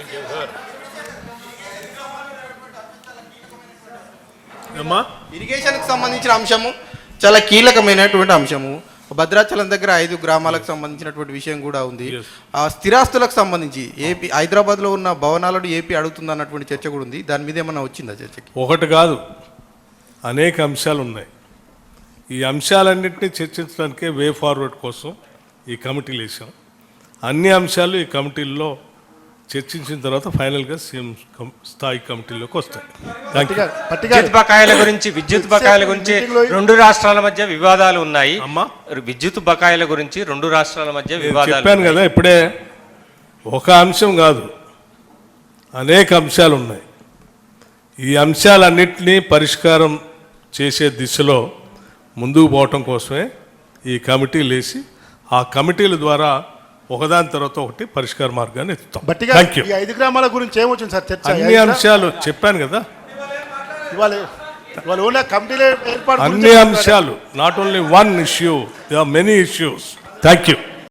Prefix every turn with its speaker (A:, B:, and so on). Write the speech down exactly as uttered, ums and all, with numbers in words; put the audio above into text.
A: ఇరిగేషన్కి సంబంధించిన అంశము చాలా కీలకమైనటువంటి అంశము. భద్రాచలం దగ్గర ఐదు గ్రామాలకు సంబంధించినటువంటి విషయం కూడా ఉంది. ఆ స్థిరాస్తులకు సంబంధించి ఏపీ హైదరాబాద్లో ఉన్న భవనాలను ఏపీ అడుగుతుంది అన్నటువంటి చర్చ కూడా ఉంది. దాని మీద ఏమన్నా వచ్చిందా చర్చకి?
B: ఒకటి కాదు, అనేక అంశాలు ఉన్నాయి. ఈ అంశాలన్నింటినీ చర్చించడానికే వే ఫార్వర్డ్ కోసం ఈ కమిటీలు వేసాం. అన్ని అంశాలు ఈ కమిటీల్లో చర్చించిన తర్వాత ఫైనల్గా సీఎం స్థాయి కమిటీలోకి వస్తాయి.
C: విద్యుత్ బకాయిల గురించి విద్యుత్ బకాయిల గురించి రెండు రాష్ట్రాల మధ్య వివాదాలు ఉన్నాయి.
B: అమ్మా,
C: విద్యుత్ బకాయిల గురించి రెండు రాష్ట్రాల మధ్య వివాదాలు
B: చెప్పాను కదా ఇప్పుడే. ఒక అంశం కాదు, అనేక అంశాలు ఉన్నాయి. ఈ అంశాలన్నింటినీ పరిష్కారం చేసే దిశలో ముందుకు పోవటం కోసమే ఈ కమిటీలు వేసి ఆ కమిటీల ద్వారా ఒకదాని తర్వాత ఒకటి పరిష్కార మార్గాన్ని ఎత్తుతాం.
D: ఈ ఐదు గ్రామాల గురించి ఏమొచ్చింది సార్ చర్చ?
B: అన్ని అంశాలు చెప్పాను కదా, అన్ని అంశాలు. Not only one issue, there are many issues. Thank you.